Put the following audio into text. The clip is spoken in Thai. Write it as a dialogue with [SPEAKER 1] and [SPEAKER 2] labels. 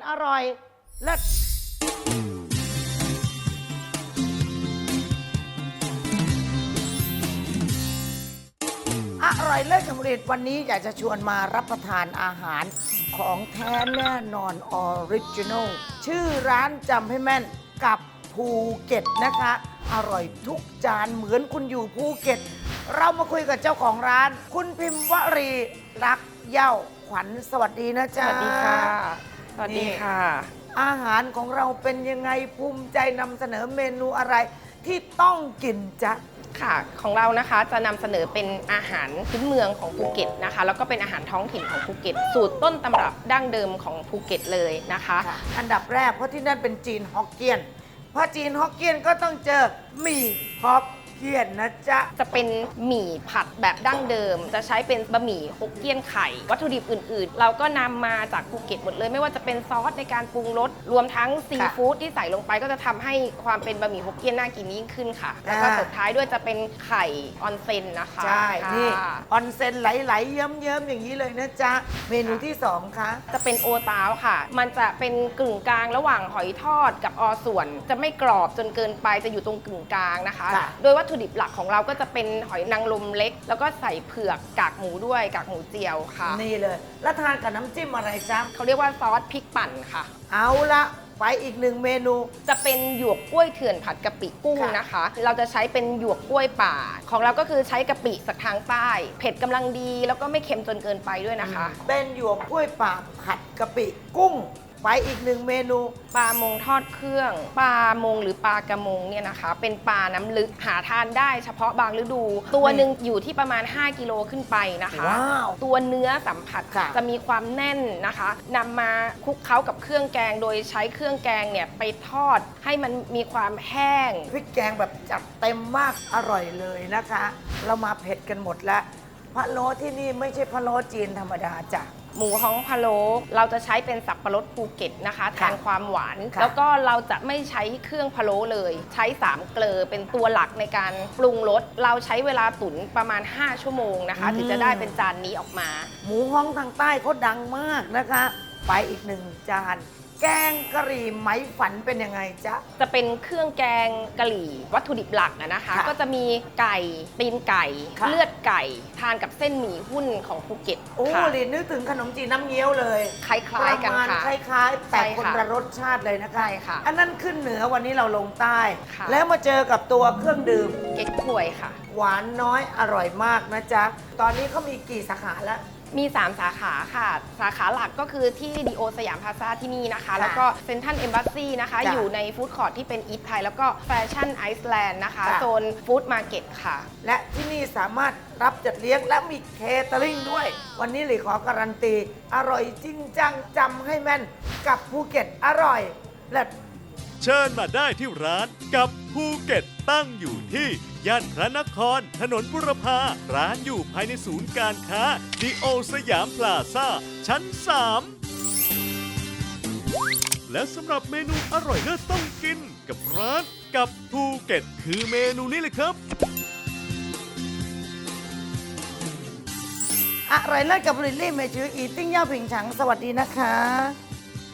[SPEAKER 1] อร่อยเลิศอร่อยเลิศกับผลิตวันนี้อยากจะชวนมารับประทานอาหารของแท้แน่นอนออริจินอลชื่อร้านจำให้แม่นกับภูเก็ตนะคะ อร่อยทุกจานเหมือนคุณอยู่ภูเก็ต เรามาคุยกับเจ้าของร้าน คุณพิมพ์วรีรักเย้าขวัญสวัสดีนะจ๊ะ
[SPEAKER 2] สวัสดีค่ะ สวัสดีค่ะ
[SPEAKER 1] อาหารของเราเป็นยังไงภูมิใจนำเสนอเมนูอะไรที่ต้องกินจ๊ะ
[SPEAKER 2] ค่ะ ของเรานะคะจะนำเสนอเป็นอาหารพื้นเมืองของภูเก็ตนะคะ แล้วก็เป็นอาหารท้องถิ่นของภูเก็ต สูตรต้นตำรับดั้งเดิมของภูเก็ตเลยนะคะ
[SPEAKER 1] อันดับแรกเพราะที่นั่นเป็นจีนฮอกเกี้ยนเพราะจีนฮอกเกี้ยนก็ต้องเจอหมี่ฮอกเกี้ยนนะจ๊ะ
[SPEAKER 2] จะเป็นหมี่ผัดแบบดั้งเดิม จะใช้เป็นบะหมี่ฮกเกี้ยนไข่ วัตถุดิบอื่นๆ เราก็นำมาจากภูเก็ตหมดเลย ไม่ว่าจะเป็นซอสในการปรุงรส รวมทั้งซีฟู้ดที่ใส่ลงไปก็จะทำให้ความเป็นบะหมี่ฮกเกี้ยนน่ากินยิ่งขึ้นค่ะ แล้วก็สุดท้ายด้วยจะเป็นไข่ออนเซนนะคะ
[SPEAKER 1] ใช่
[SPEAKER 2] ค่ะ
[SPEAKER 1] นี่ออนเซนไหลๆเยิ้มๆอย่างนี้เลยนะจ๊ะ เมนูที่สองคะ
[SPEAKER 2] จะเป็นโอตาวค่ะ มันจะเป็นกึ่งกลางระหว่างหอยทอดกับอส่วน จะไม่กรอบจนเกินไป จะอยู่ตรงกึ่งกลางนะคะ
[SPEAKER 1] ค่ะ
[SPEAKER 2] โดยวัตถุดิบหลักของเราก็จะเป็นหอยนางรมเล็ก แล้วก็ใส่เผือกกากหมูด้วยกากหมูเจียวค่ะ
[SPEAKER 1] นี่เลย แล้วทานกับน้ำจิ้มอะไรจ๊ะ
[SPEAKER 2] เขาเรียกว่าซอสพริกปั่นค่ะ
[SPEAKER 1] เอาละไปอีกหนึ่งเมนู
[SPEAKER 2] จะเป็นหยวกกล้วยเถื่อนผัดกะปิกุ้ง
[SPEAKER 1] ค่ะ
[SPEAKER 2] นะคะ เราจะใช้เป็นหยวกกล้วยป่า ของเราก็คือใช้กะปิจากทางใต้ เผ็ดกำลังดี แล้วก็ไม่เค็มจนเกินไปด้วยนะคะ
[SPEAKER 1] เป็นหยวกกล้วยป่าผัดกะปิกุ้ง ไปอีกหนึ่งเมนู
[SPEAKER 2] ปลามงทอดเครื่อง ปลามงหรือปลากระมงเนี่ยนะคะ เป็นปลาน้ำลึกหาทานได้เฉพาะบางฤดู ตัวหนึ่งอยู่ที่ประมาณ 5 กิโลขึ้นไปนะคะ
[SPEAKER 1] ว้าว
[SPEAKER 2] ตัวเนื้อสัมผัส
[SPEAKER 1] ค่ะ
[SPEAKER 2] จะมีความแน่นนะคะนำมาคลุกเคล้ากับเครื่องแกง โดยใช้เครื่องแกงเนี่ยไปทอดให้มันมีความแห้ง
[SPEAKER 1] พริกแกงแบบจัดเต็มมากอร่อยเลยนะคะ เรามาเผ็ดกันหมดแล้วพะโล้ที่นี่ไม่ใช่พะโล้จีนธรรมดาจ้ะ
[SPEAKER 2] หมูฮ้องพะโล้เราจะใช้เป็นสับปะรดภูเก็ตนะคะแทนความหวาน
[SPEAKER 1] ค่ะ
[SPEAKER 2] แล้วก็เราจะไม่ใช้เครื่องพะโล้เลย ใช้3เกลอเป็นตัวหลักในการปรุงรสเราใช้เวลาตุ๋นประมาณ 5 ชั่วโมงนะคะถึงจะได้เป็นจานนี้ออกมา
[SPEAKER 1] หมูฮ้องทางใต้เขาดังมากนะคะ ไปอีกหนึ่งจาน แกงกะหรี่ไหมฝันเป็นยังไงจ๊ะ
[SPEAKER 2] จะเป็นเครื่องแกงกะหรี่วัตถุดิบหลักนะคะ
[SPEAKER 1] ค่ะ
[SPEAKER 2] ก็จะมีไก่ตีนไก่
[SPEAKER 1] ค่ะ
[SPEAKER 2] เลือดไก่ ทานกับเส้นหมี่หุ้นของภูเก็ต
[SPEAKER 1] โอ้
[SPEAKER 2] ค่ะ
[SPEAKER 1] ลินนึกถึงขนมจีนน้ำเงี้ยวเลย
[SPEAKER 2] คล้ายๆกัน
[SPEAKER 1] ประมาณ
[SPEAKER 2] ค่ะ
[SPEAKER 1] คล้ายๆ แต่
[SPEAKER 2] ใช่
[SPEAKER 1] คน
[SPEAKER 2] ค่ะ
[SPEAKER 1] ละรสชาติเลยนะคะ
[SPEAKER 2] ใช่ค่ะ
[SPEAKER 1] อันนั้นขึ้นเหนือวันนี้เราลงใต้
[SPEAKER 2] ค่ะ
[SPEAKER 1] แล้วมาเจอกับตัวเครื่องดื่ม
[SPEAKER 2] เก๊กฮวยค่ะ
[SPEAKER 1] หวานน้อยอร่อยมากนะจ๊ะ ตอนนี้เขามีกี่สาขาแล้ว
[SPEAKER 2] มี 3 สาขาค่ะ สาขาหลักก็คือที่ดีโอสยามพลาซ่าที่นี่นะคะ
[SPEAKER 1] ค่ะ
[SPEAKER 2] แล้วก็เซนทันเอมบ s สซีนะคะ
[SPEAKER 1] จ้ะ
[SPEAKER 2] อยู่ในฟู้ดคอร์ทที่เป็นอีทไทย แล้วก็แฟชั่นไอซ์แลนด์นะคะ
[SPEAKER 1] ค่ะ
[SPEAKER 2] โซนฟู้ดมาร์เก็ตค่ะ
[SPEAKER 1] และที่นี่สามารถรับจัดเลี้ยงและมีเคเตอริงด้วย วันนี้หลีขอการันตี อร่อยจริงจังจำให้แม่นกับภูเก็ตอร่อยและ
[SPEAKER 3] เชิญมาได้ที่ร้านกับภูเก็ตตั้งอยู่ที่ย่านพระนคร ถนนบุรพาร้านอยู่ภายในศูนย์การค้าดีโอสยามพลาซ่า ชั้น 3 และสำหรับเมนูอร่อยเลิศต้องกินกับร้านกับภูเก็ตคือเมนูนี้เลยครับ
[SPEAKER 1] อร่อยเลิศกับลิลลี่เมจืออีติ้งเย่าผิงฉังสวัสดีนะคะ